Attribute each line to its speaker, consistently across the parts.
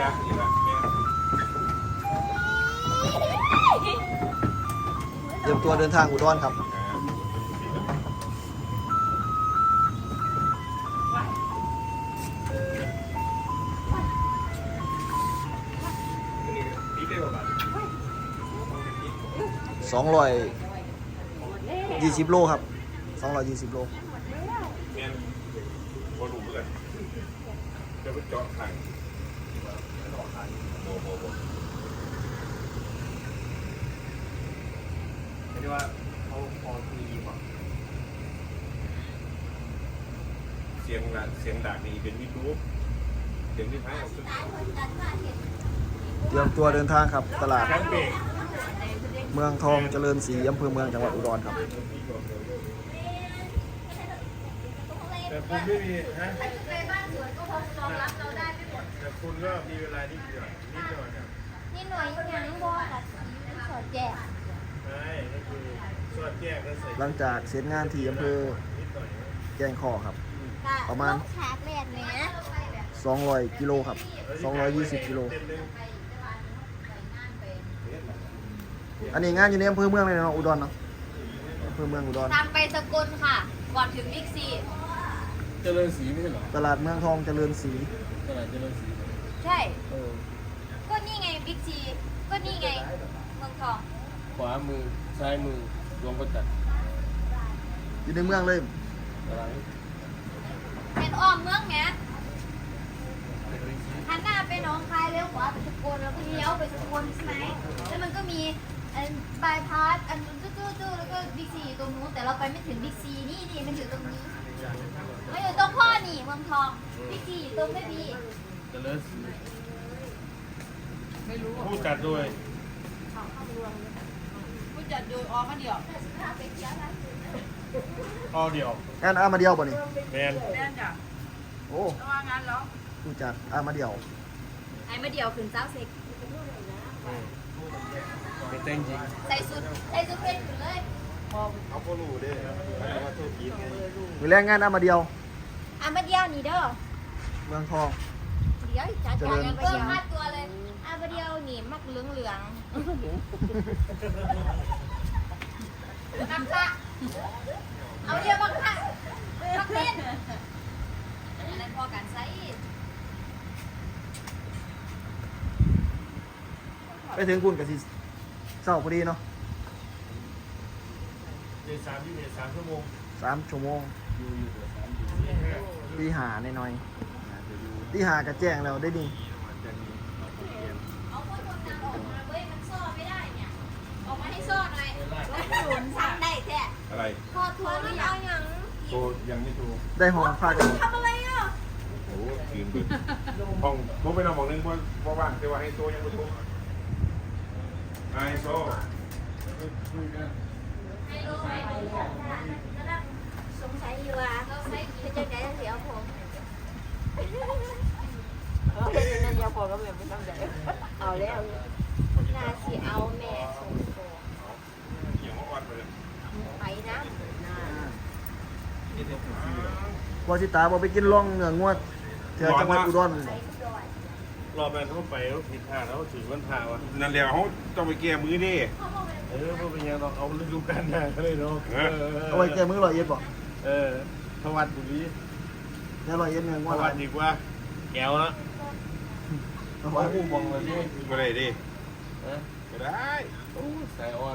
Speaker 1: เตรียมตัวเดินทางอุดรครับ220 โลครับ220 โล
Speaker 2: เมียนโคลูเพื่อนจะไปเจาะทางโบไม่ได้ว่าเขาพอทีมั้งเสียงด่านี่เป็นวิทยุเสียงที่ท้าย
Speaker 1: เตรียมตัวเดินทางครับตลาด
Speaker 2: แคมเปญ
Speaker 1: เมืองทองเจริญศรีอำเภอเมืองจังหวัดอุดรครับ
Speaker 2: แต่คุณไม่มีฮะแต่คุณก็มีเวลานิดเดียวนิดหน่อยนะ
Speaker 3: นี่หน่วยยังบ่กับสอดแจก
Speaker 2: ใช่ก็คือสวดแยกก็ใส่
Speaker 1: หลังจากเสร็จงานที่อำเภอ
Speaker 2: นิดหน่อย
Speaker 1: แกงคอครับ ประมาณ
Speaker 3: แขกแรกเนี่ย
Speaker 1: 200 กิโลครับ220 กิโลอันนี้งานอยู่ในอำเภอเมืองเลยเนาะอุดรเนาะอำเภอเมืองอุดร
Speaker 3: ตามไปสกลค่ะ ก่อนถึงบิ๊กซี
Speaker 4: เจริญศรีไม่ใช่เหรอ
Speaker 1: ตลาดเมืองทองเจริญศรี
Speaker 4: ตลาดเจริญศรี
Speaker 3: ใช่
Speaker 4: เออ
Speaker 3: ก็นี่ไงบิ๊กซีก็นี่ไงเมืองทอง
Speaker 4: ขวามือซ้ายมือรวมประจักษ์
Speaker 1: อยู่ในเมืองเลย
Speaker 4: ตลาด
Speaker 3: เป็นอ้อมเมืองไงหันหน้าไปหนองคายเลี้ยวขวาไปสกลแล้วก็เลี้ยวไปสกลใช่ไหมแล้วมันก็มีอันบายพาสอันตู้แล้วก็บิ๊กซีอยู่ตรงนู้นแต่เราไปไม่ถึงบิ๊กซีนี่มันอยู่ตรงนี้มันอยู่ตรงพ่อนี่เมืองทองบิ๊กซีอยู่ตรงไม่มี
Speaker 4: เจริญศรี
Speaker 2: ผู้จัดด้วย
Speaker 5: ผู้จัดโดยออกมาเดียว
Speaker 2: ออเดียว
Speaker 1: งานอามาเดียวบ่นี่
Speaker 2: แมน
Speaker 5: แม่นจ้ะ
Speaker 1: โอ้
Speaker 5: ระว่างงานแล้ว
Speaker 1: ผู้จัดอามาเดียว
Speaker 3: ไอ้มาเดียวขึ้นเจ้าเซ็ก
Speaker 4: ไม่เต้นจริง
Speaker 3: ใส่สุดเพชรขึ้นเลย
Speaker 2: เขาก็รู้ด้วยว่าตัวกีนไง
Speaker 1: มือแรงงานอามาเดียว
Speaker 3: อ่ะมาเดียวนี่เด้อ
Speaker 1: เมืองทอง
Speaker 3: เดี๋ยวจัด
Speaker 1: เจริ
Speaker 3: การ
Speaker 1: ญ
Speaker 3: เพิ่มค่าตัวเลยอ่ะมาเดียวนี่มักเหลืองมักค่ะเอาเดียวมักค่ะมักเล่นอันนั้นพอกันใส่
Speaker 1: ไปถึงคุณกับสิเศร้าพอดีเนาะ
Speaker 2: เดือน3 ชั่วโมง
Speaker 1: 3 ชั่วโมง
Speaker 4: อยู่เดือดร้อนอยู่
Speaker 1: ตีหาหน่อยๆตีหากับแจ้งแล้วได้ดี
Speaker 3: เอาพวกคนนางออกมาเว้ยมันซ่อไม่ได้เนี่ยออกมาให้ซ่อหน่อยศูนย์สั่งได้แท้
Speaker 2: อะไร
Speaker 3: พอทัวร์หรือยังยัง
Speaker 2: โทรยังไม่โทร
Speaker 1: ได้ห้องพากัน
Speaker 3: ทำอะไรอ่ะ
Speaker 2: โอ้คืนดึกห้องโทรไปนอนบอกนึงเพราะว่างแต่ว่าให้โทรยังไม่โทรไอโซ
Speaker 3: สงสัยอยู่ว่าเขาใช้เป็นจังไงเสียผม
Speaker 5: นั่นยาพอก็เลยไม่ต้องใจเอาแล้ว
Speaker 3: นาสิเอาแม่ส่งโต
Speaker 2: อย่างเมื่อวานไปเลย
Speaker 3: ไปนะ
Speaker 1: พอสิตาบ่ไปกินล่องเนื้องวดเที่ยวจังหวัดอุดร
Speaker 3: ไปดอย
Speaker 2: รอบนั้นเขาไปเขาผิดท่าแล้วถือวันท่าวะนั่นแหละเขาต้องไปแก้มือดิ
Speaker 4: เออพวกเป็นยังเราเอาฤดูกาลหน้าก็เลยเนาะ
Speaker 1: เอาไว้แก้มือ100เอ็ดบ่
Speaker 4: เออทวัดบุรี
Speaker 1: แค่100เอ็ดเนื้อง
Speaker 4: ท
Speaker 1: วด
Speaker 4: วัดดีกว่าแก้วละ
Speaker 1: เอา
Speaker 4: เขา
Speaker 1: ไว้
Speaker 4: ผู้มองเลยนี่
Speaker 2: ไม่ได้ดิ
Speaker 4: นะ
Speaker 2: ไม่ได้
Speaker 4: โอ้สายอ่อน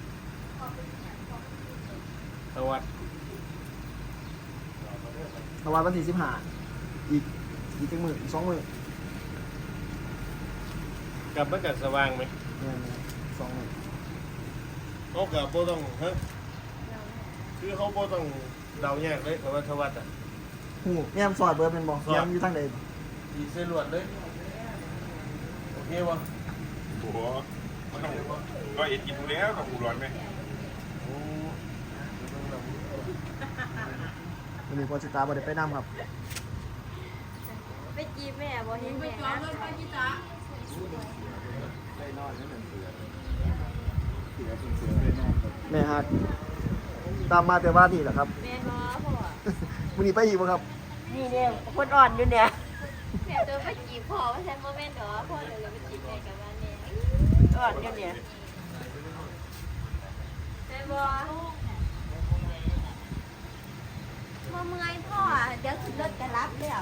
Speaker 4: ทวัด
Speaker 1: ประมาณวันที่15อีกจังมื้ออีก2มื้อก
Speaker 4: ลับมากัดสว่างไหม
Speaker 1: เนี่ย2มื้อ
Speaker 4: เขากับโบต้องฮะคือเขาโบต้องเดาแยกเลยกับว่าทวัดอ่ะ
Speaker 1: หูแม่มซอยเบิดเป็นบ่แม่มอยู่ทางใด
Speaker 4: ดีเซลวดเลยโอเควะ
Speaker 2: โอ้โหมันต้องก็เอ็ดกินดูแล้วกับอูร้อนไหม
Speaker 4: โอ้
Speaker 1: วันนี้พอสิตาบ่ได้ไปนํครับ
Speaker 3: ไปจีบแม่บ่เห็น
Speaker 5: ไป
Speaker 3: แม่
Speaker 5: จอดรถไปที่จ้า
Speaker 1: แม่ฮักตามมาแต่ว่านี่แหละครับ
Speaker 3: แม่บ่พ่อ
Speaker 1: วันนี้ไปอีกบ่ครับ
Speaker 5: นี่เนี่ยคนอ่อนอยู่เนี่ย
Speaker 3: แม่เจอไปจีบจีบพ่อว่าฉันโมเมนต์หรอพ่อเดี๋ยวจะไปจีบแม่กับบ้านแม่
Speaker 5: ก่อนกันเนี่ย
Speaker 3: แม่บอกมาเมื่อยพ่อเดี๋ยวขึ้นรถจะรับแล้ว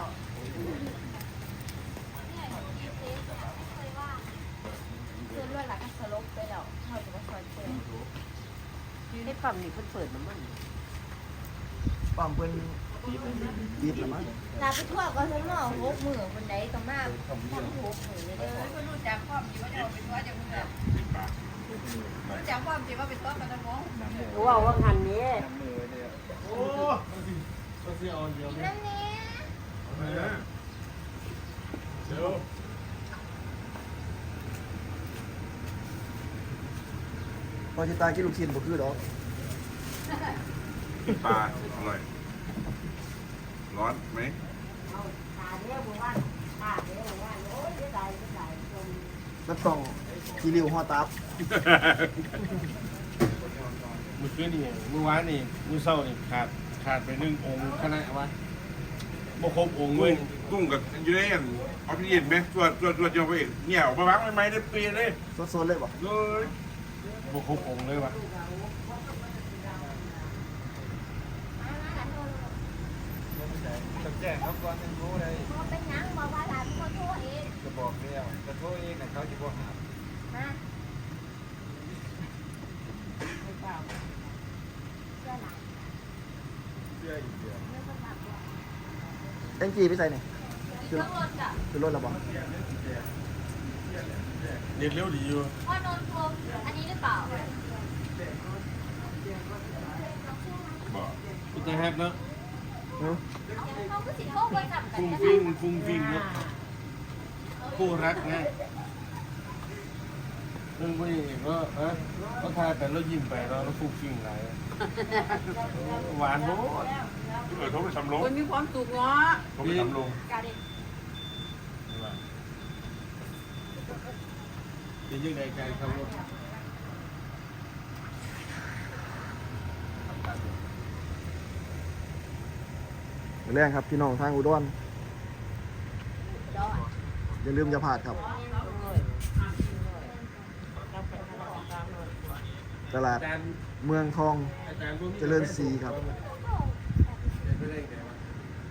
Speaker 3: คือรถหลักสลบไปแล้วเขาจะมาคอยเตือน
Speaker 5: ไอ้ปั๊มนี่เพิ่นเปิดน้ำมัน
Speaker 1: ปั๊มเพิ่นบีบแล้วมั้ง
Speaker 3: ลาไปทั่วก็ทั้งหม้อหกมือคนใดต้องมาทั้งหกมือเลยเด้อ
Speaker 6: คนรู้จักความจริงว่าจะเป็นตัวจะมึงแบบรู้จักความจริงว่าเป็นตัวกันนะน้อง
Speaker 5: รู้ว่าหันนี้
Speaker 4: โอ้มันสิเอาเดียว
Speaker 3: กิน
Speaker 4: เนี่ย
Speaker 3: น้ำนี้
Speaker 4: เดี๋ยว
Speaker 1: พอสิตายกินลูกชิ้นบ่คือดอก
Speaker 2: ปลาอร่อยร้อนไหม
Speaker 1: มันต้องขี้ริ้วห่อตับ
Speaker 4: มื้อคืนนี่มื้อวานนี่มื้อเช้านี่ขาดไป1องค์คณะวะบ่ครบองค์เว้
Speaker 2: กุ้
Speaker 4: ย
Speaker 2: งกับอยู่ในอันออฟฟิศเย็นไหมตัวเดียวไปเองเหี่ยวมาวางไม่ได้เปลี่ยนเลย
Speaker 1: สดๆเลยบ่
Speaker 2: เลย
Speaker 4: บ่ครบองค์เลยวะ
Speaker 7: ต้องแจ้งเขาก่อนถึงรู้เลย
Speaker 3: พอเป็นหยังบอกว่าหลานเป็นคนโทษเอง
Speaker 7: จะบอกแล้วจะโทษเองนะเขาจะบอกหา
Speaker 3: มาเสื้อหนัง
Speaker 7: เชื่ออีกเดือน
Speaker 3: เสื้อคนหนักด้วย
Speaker 1: แองจี้ไปใส่นี่
Speaker 3: เครื่องรถจ้ะ
Speaker 1: คือรถแล้วบ่
Speaker 4: เด็ดเร็วดีอยู่
Speaker 3: พ่อนนท์พรมอันนี้หรือเปล่า
Speaker 2: บอก
Speaker 4: อุตส่าห์แฮปเนาะ
Speaker 1: หือ
Speaker 3: เขาก็สิโทษคนจับกัน
Speaker 4: ฟุ้ง
Speaker 3: นะ
Speaker 4: ฟิ้งฟุ้งฟิ้งเนาะคู่รักไงเรื่องพวกนี้ก็ก็ทายแต่เรายิ้มไปเราฟุ้งฟิ้งหลายหวานโน้ต
Speaker 2: โทรไปทำลง
Speaker 6: คนมีความสุขเนาะ
Speaker 2: โทรไปทำลง
Speaker 3: กาเด็ก
Speaker 4: เป็นยังไงการขับรถ
Speaker 1: แรงครับพี่น้องทางอุดร
Speaker 3: ดอน
Speaker 1: อย่าลืมอย่าพลาดครับ ตลาด
Speaker 4: อาจารย์
Speaker 1: เมืองทอง
Speaker 4: อาจารย์พวกนี้
Speaker 1: เจริญศรีครับ
Speaker 4: ไม่ได้ไงวะ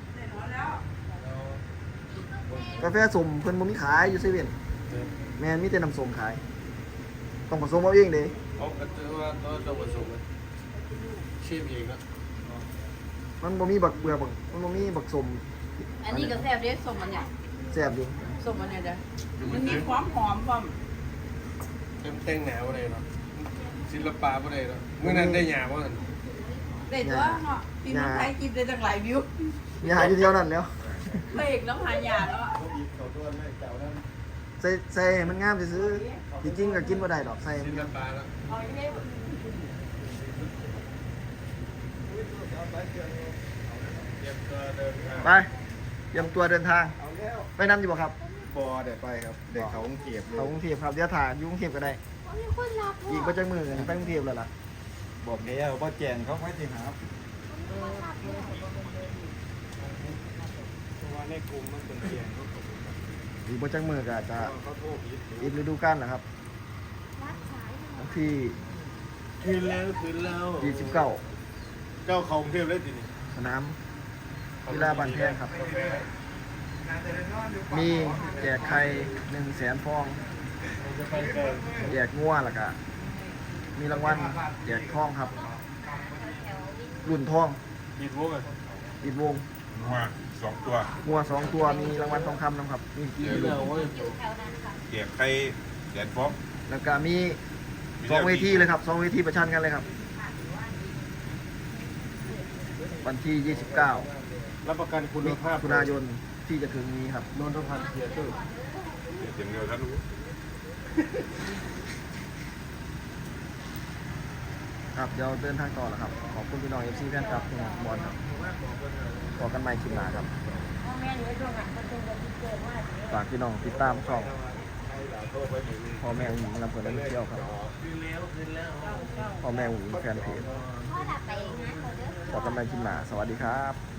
Speaker 1: กาแฟส้มเพิ่นบ่มีขายอยู่เซเว่นแม่นมีแต่น้ำส้มขาย ต้องผสมเอาเองเด้
Speaker 4: เขาก็จะว่าเราผสมเชฟเองนะ
Speaker 1: มันบ่มีบักเบือบักมันบ่มีบักส้ม
Speaker 6: อันนี้ก็แซ่บเด้สมมันเนี่ย
Speaker 1: แซ่บอยู่
Speaker 6: สมมันเนี่ยเด้อมันมีความหอมความ
Speaker 4: เต็มเต้งหนาวอะไรเนาะศิลปะอะไรเนาะเมื่อนั้นได้หยาบ่นั่น
Speaker 6: ได้ตัวเนาะพี่น้องไทยกินได้ตั้งหลายวิว
Speaker 1: มีหาอยู่เดียวนั่นแล้ว
Speaker 6: เบรกน้ำหายาเนาะ
Speaker 1: ใส่ให้มันงามซื่อๆจริงๆก็กินบ่ได้ดอกใส่
Speaker 4: ศิลปะแล้ว
Speaker 1: ไปเตรียมตัวเดินทาง ไปนำอยู่บ่ครับ
Speaker 7: บอเดี๋ยวไปครับ เด็กเขาคงเก็บ
Speaker 1: เขากรุงเทพครับเดี๋ยวถ่ายอยู่กรุงเทพก็ได้
Speaker 3: เขามีคนรับพ่อ
Speaker 1: อีกบ่จักมื้อก็ไปกรุงเทพแล้วล่ะ
Speaker 7: บอกแล้วว่าแจ้งเขาไว้ที่หา
Speaker 4: ตัวในกลุ่มมันเป็นเสียง
Speaker 1: อีกบ่จักมื้อก็จะ
Speaker 7: เขาโทษผิด
Speaker 1: อีกฤดูกาลแล้วครับ
Speaker 3: รับสาย
Speaker 1: วันที่
Speaker 4: คืนแล้ว
Speaker 1: 29
Speaker 4: เจ้าเขากรุงเทพได้ทีนี้
Speaker 1: สนามกีฬาบ้านแพงครับ มีแจกไข่100,000 ฟอง
Speaker 4: จะไปเกิน
Speaker 1: แจกงัวแล้วก็มีรางวัลแจกทองครับ รุ่นทอง
Speaker 4: กีดวงอ่ะ
Speaker 1: อีกวง
Speaker 2: มา2 ตัว
Speaker 1: งัว2 ตัวมีรางวัลทองคำนะครับ มีกี่
Speaker 4: กีด
Speaker 1: รุ่
Speaker 4: แล้ว
Speaker 1: น
Speaker 4: เว้ย
Speaker 3: อยู่แถวนั้นค่ะ
Speaker 2: เกียกไข่แดดฟอก
Speaker 1: แล้วก็มี2 เวทีเลยครับ2 เวทีประชันกันเลยครับ วันที่ 29
Speaker 4: รับประกันคุณภาพ
Speaker 1: มิถุนายนที่จะถึงนี้ครับ
Speaker 4: นนทพันธ์เทียเตอร์
Speaker 2: เดี๋ยวเดียวท่านรู้
Speaker 1: ครับเดี๋ยวเดินทางต่อแล้วครับ ขอบคุณพี่น้อง FC แฟนคลับทุกคนบอลครับขอกันใหม่คลิปหน้าครับฝากพี่น้องติดตามช่องพ่อแม่หญิงลำเพลินและเที่ยวครับพ่อแม่หญิงแฟนเพจ
Speaker 3: พ่อดับไปงานเขาเด้อ
Speaker 1: ขอกันใหม่คลิปหน้าสวัสดีครับ